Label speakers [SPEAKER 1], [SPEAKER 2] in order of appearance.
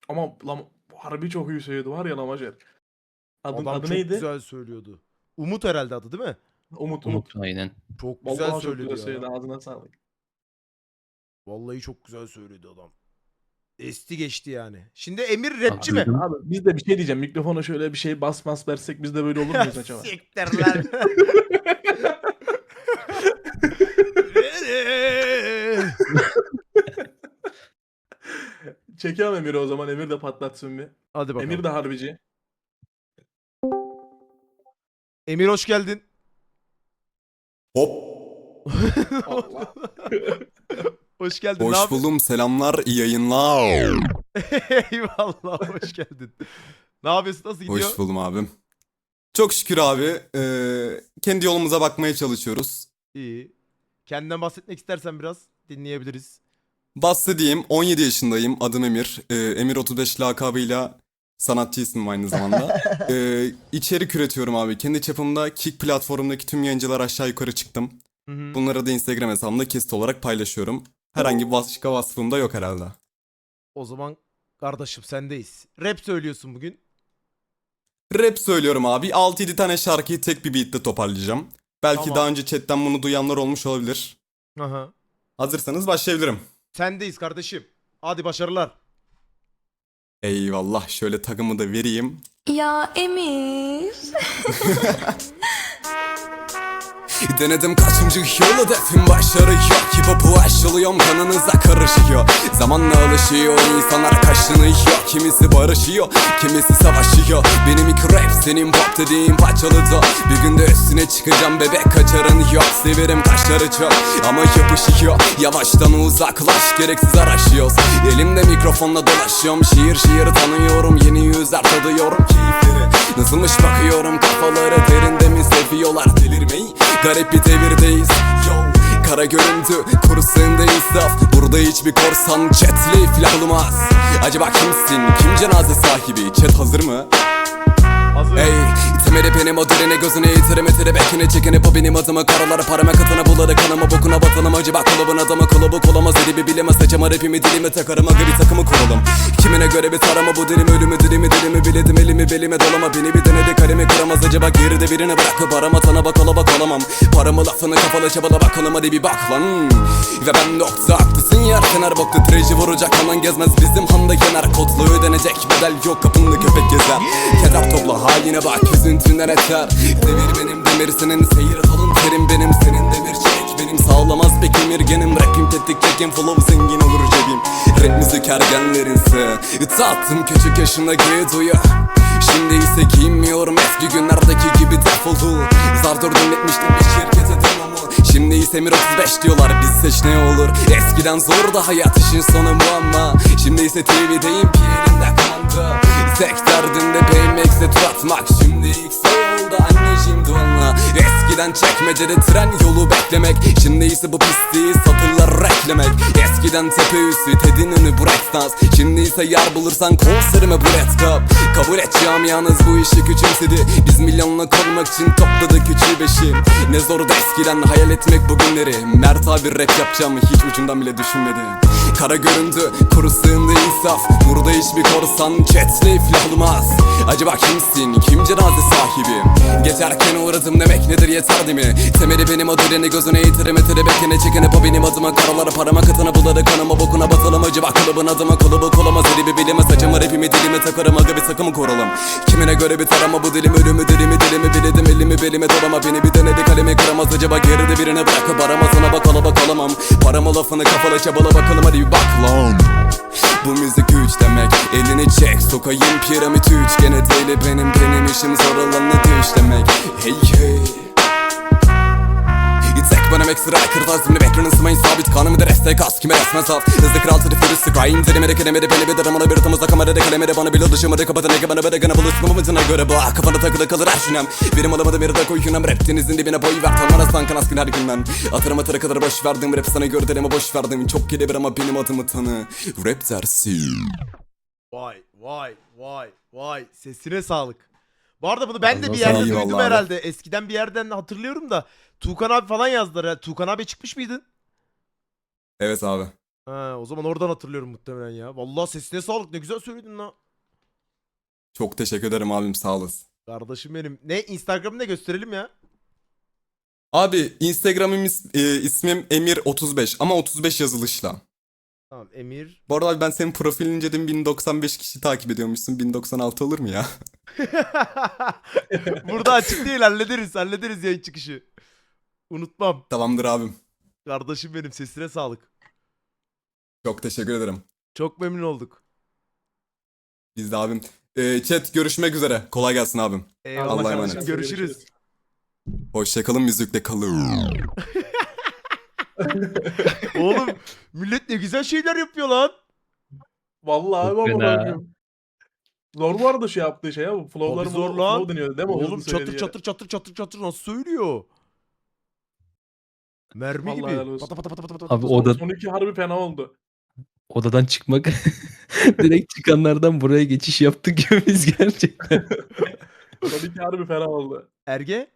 [SPEAKER 1] Ama harbi çok iyi söyledi var ya Lamajer.
[SPEAKER 2] Adam
[SPEAKER 1] Adı
[SPEAKER 2] çok
[SPEAKER 1] neydi?
[SPEAKER 2] güzel söylüyordu. Umut herhalde adı değil mi?
[SPEAKER 1] Umut Umut.
[SPEAKER 3] Umut aynen.
[SPEAKER 2] Çok güzel
[SPEAKER 1] Vallahi çok
[SPEAKER 2] söyledi
[SPEAKER 1] güzel
[SPEAKER 2] ya.
[SPEAKER 1] söyledi. Ağzına sağlık.
[SPEAKER 2] Vallahi çok güzel söyledi adam. Esti geçti yani. Şimdi Emir rapçi mi?
[SPEAKER 3] Duydum.
[SPEAKER 1] Abi biz de bir şey diyeceğim. Mikrofona şöyle bir şey bas versek biz de böyle olur muyuz acaba?
[SPEAKER 2] Siktir lan.
[SPEAKER 1] Çekelim Emir'i o zaman. Emir de patlatsın bir.
[SPEAKER 2] Hadi bakalım.
[SPEAKER 1] Emir de harbici.
[SPEAKER 2] Emir hoş geldin.
[SPEAKER 4] Hop.
[SPEAKER 1] Allah.
[SPEAKER 2] Hoş geldin. Ne
[SPEAKER 4] Hoş
[SPEAKER 2] yapıyorsun?
[SPEAKER 4] buldum. Selamlar. İyi yayınlar.
[SPEAKER 2] Eyvallah hoş geldin. Ne yapıyorsun? Nasıl gidiyor?
[SPEAKER 4] Hoş buldum abim. Çok şükür abi. Kendi yolumuza bakmaya çalışıyoruz.
[SPEAKER 2] İyi. Kendinden bahsetmek istersen biraz dinleyebiliriz.
[SPEAKER 4] Bahsedeyim. 17 yaşındayım. Adım Emir. Emir 35 lakabıyla sanatçı ismim aynı zamanda. İçerik üretiyorum abi. Kendi çapımda Kick platformundaki tüm yayıncılar aşağı yukarı çıktım.
[SPEAKER 2] Hı hı.
[SPEAKER 4] Bunları da Instagram hesabımda kesit olarak paylaşıyorum. Herhangi bir başka vasfım da yok herhalde.
[SPEAKER 2] O zaman kardeşim sendeyiz. Rap söylüyorsun bugün.
[SPEAKER 4] Rap söylüyorum abi. 6-7 tane şarkıyı tek bir beatle toparlayacağım. Belki
[SPEAKER 2] Tamam.
[SPEAKER 4] daha önce chatten bunu duyanlar olmuş olabilir.
[SPEAKER 2] Aha.
[SPEAKER 4] Hazırsanız başlayabilirim.
[SPEAKER 2] Sendeyiz kardeşim. Hadi başarılar.
[SPEAKER 4] Eyvallah, şöyle takımı da vereyim.
[SPEAKER 5] Ya Emir.
[SPEAKER 4] Denedim kaçıncı yol, hedefim başarı yok. Hip hop'u aşılıyorum, kanınıza karışıyor. Zamanla alışıyor, insanlar kaşınıyor. Kimisi barışıyor, kimisi savaşıyor. Benim ilk rap, senin pop dediğin parçalı da. Bir günde üstüne çıkacağım, bebek kaçarın yok. Severim kaşları çok ama yapışıyor. Yavaştan uzaklaş, gereksiz araşıyoruz. Elimde mikrofonla dolaşıyorum, şiir tanıyorum. Yeni yüzler tadıyorum keyifleri. Nasılmış bakıyorum, kafaları derinde mi seviyorlar delirmeyi. Garip bir devirdeyiz, yo. Kara görüntü, kuru sığında insaf. Burada hiçbir korsan chatli filan olmaz. Acaba kimsin, kim cenaze sahibi? Chat hazır mı?
[SPEAKER 2] Hazır.
[SPEAKER 4] Ey, temeli benim o derine gözüne yitirime bekine çekine bu benim adıma karalara parama katına buladı kanıma bokuna batalım acı bak kulübün adamı kılıbık olamaz edibi bilemez saçama rapimi dilime takarım aga bir takımı kuralım. Kimine göre bir tarama bu dilim ölümü dilimi biledim elimi belime dolama beni bir denedi kalemi kıramaz acaba geride birini bırakıp arama sana bak olamam paramı lafını kafalı çabala bakalım hadi bir bak lan. Ve ben nokta haklısın yer kenar boktu treji vuracak aman gezmez bizim handa kenar kodlu ödenecek bedel yok kapında köpek gezer keder topla haline bak üzüntünden eter. Devir benim demir senin seyir alın terim benim senin demir çek benim sağlamaz pek emirgenim rapim tetik çekim flow zengin olur cebim. Rap müzik ergenlerinse tattım küçük yaşındaki duyu. Şimdi ise giymiyorum eski günlerdeki gibi defoldu. Zar zor dinletmiştim bir şirkete demomu. Şimdi ise Emir 35 diyorlar biz seç ne olur. Eskiden zordu hayat işin sonu bu ama şimdi ise TV'deyim pierinde kandı. Tek derdimde BMX'e tur atmak. Şimdi X oldu anneciğim donla. Eskiden çekmecede tren yolu beklemek. Şimdi ise bu pisliği satırlar reklemek. Eskiden tepe üstü Ted'in önü breakdance. Şimdi ise yer bulursan konserime bu red cup. Kabul et camianız bu işi küçümsedi. Biz milyonluk olmak için topladık üçü beşi. Ne zordu eskiden hayal etmek bugünleri. Mert abi rap yapacağımı hiç ucundan bile düşünmedi. Kara göründü, kuru sığındı insaf. Burada hiçbir korsan chatli filan olmaz. Acaba kimsin, kim cenaze sahibi? Geçerken uğradım demek nedir yeter değil mi? Temeli benim o direni gözüne yitirime bekine çekine bu benim adıma karalara parama katına buladı kanıma bokuna batalım acaba kulübün adıma kulübü olamaz edibi bilime saçımı rapimi dilime takarım aga bir takımı kuralım. Kimine göre bir tarama bu dilim ölümü dilimi biledim elimi belime dolama beni bir denedi kalemi kıramaz acaba geride birine bırakıp arama sana bakalamam. Paramı lafını kafala çabala bakalım hadi bir bak lan. Bu müzik güç demek elini çek sokayım piramit üçgene değil benim işim zor olanı düş demek. Hey hey tek benim ekstra kırtazimle beklerin ısmayın sabit kanımı da destek az kime resmen saf. Hızlı kral tırıfırı sıkayım derimede kelimede beni bir daramana bir tamızda kamerada kalemede bana bile dışımı kapatın ege bana bedegana buluşma mımızına göre bak kafana takılı kalır her şünem. Benim alamadım bir de koyunam rap denizin dibine boy ver tanmana sankan askın her günden. Atarım atara kadar boş verdim rap sana göre deleme boş verdim. Çok kelebir ama benim adımı tanı rap dersin.
[SPEAKER 2] Vay sesine sağlık. Bu arada bunu ben de bir
[SPEAKER 3] Eyvallah
[SPEAKER 2] yerde
[SPEAKER 4] abi.
[SPEAKER 2] duydum herhalde. Eskiden bir yerden hatırlıyorum da Tuğkan abi falan yazdılar. Tuğkan abi çıkmış mıydın?
[SPEAKER 4] Evet abi.
[SPEAKER 2] Ha, o zaman oradan hatırlıyorum muhtemelen ya. Vallahi sesine sağlık, ne güzel söyledin lan.
[SPEAKER 4] Çok teşekkür ederim abim, sağ olasın.
[SPEAKER 2] Kardeşim benim. Ne Instagram'ı ne gösterelim ya.
[SPEAKER 4] Abi Instagram'ım ismim Emir35 ama 35 yazılışla.
[SPEAKER 2] Tamam Emir.
[SPEAKER 4] Bu arada abi ben senin profilini inceledim, 1095 kişi takip ediyormuşsun. 1096 olur mu ya?
[SPEAKER 2] Burada açık değil, hallederiz yayın çıkışı. Unutmam.
[SPEAKER 4] Tamamdır abim.
[SPEAKER 2] Kardeşim benim, sesine sağlık.
[SPEAKER 4] Çok teşekkür ederim.
[SPEAKER 2] Çok memnun olduk.
[SPEAKER 4] Biz de abim. Chat görüşmek üzere. Kolay gelsin abim.
[SPEAKER 2] Eyvallah
[SPEAKER 4] Allah'a
[SPEAKER 2] kardeşim,
[SPEAKER 4] emanet.
[SPEAKER 2] görüşürüz.
[SPEAKER 4] Hoşçakalın, müzikle kalın.
[SPEAKER 2] Oğlum millet ne güzel şeyler yapıyor lan.
[SPEAKER 1] Vallahi
[SPEAKER 3] Çok
[SPEAKER 1] baba
[SPEAKER 3] fena.
[SPEAKER 1] bakıyorum. Zor bu arada şey yaptığı şey ya. Bu flow'ları
[SPEAKER 2] Abi zor lan.
[SPEAKER 1] flow deniyor değil mi? O
[SPEAKER 2] Oğlum
[SPEAKER 1] hızlı
[SPEAKER 2] çatır
[SPEAKER 1] söylediği
[SPEAKER 2] çatır çatır çatır çatır nasıl söylüyor? Mermi
[SPEAKER 1] Vallahi helal
[SPEAKER 2] gibi.
[SPEAKER 1] olsun.
[SPEAKER 2] Pata pata pata pata pata.
[SPEAKER 3] Abi
[SPEAKER 2] pata.
[SPEAKER 3] o da
[SPEAKER 1] Son iki harbi fena oldu.
[SPEAKER 3] odadan çıkmak direkt çıkanlardan buraya geçiş yaptık gibi biz gerçekten.
[SPEAKER 1] Son iki harbi fena oldu.
[SPEAKER 2] Erge?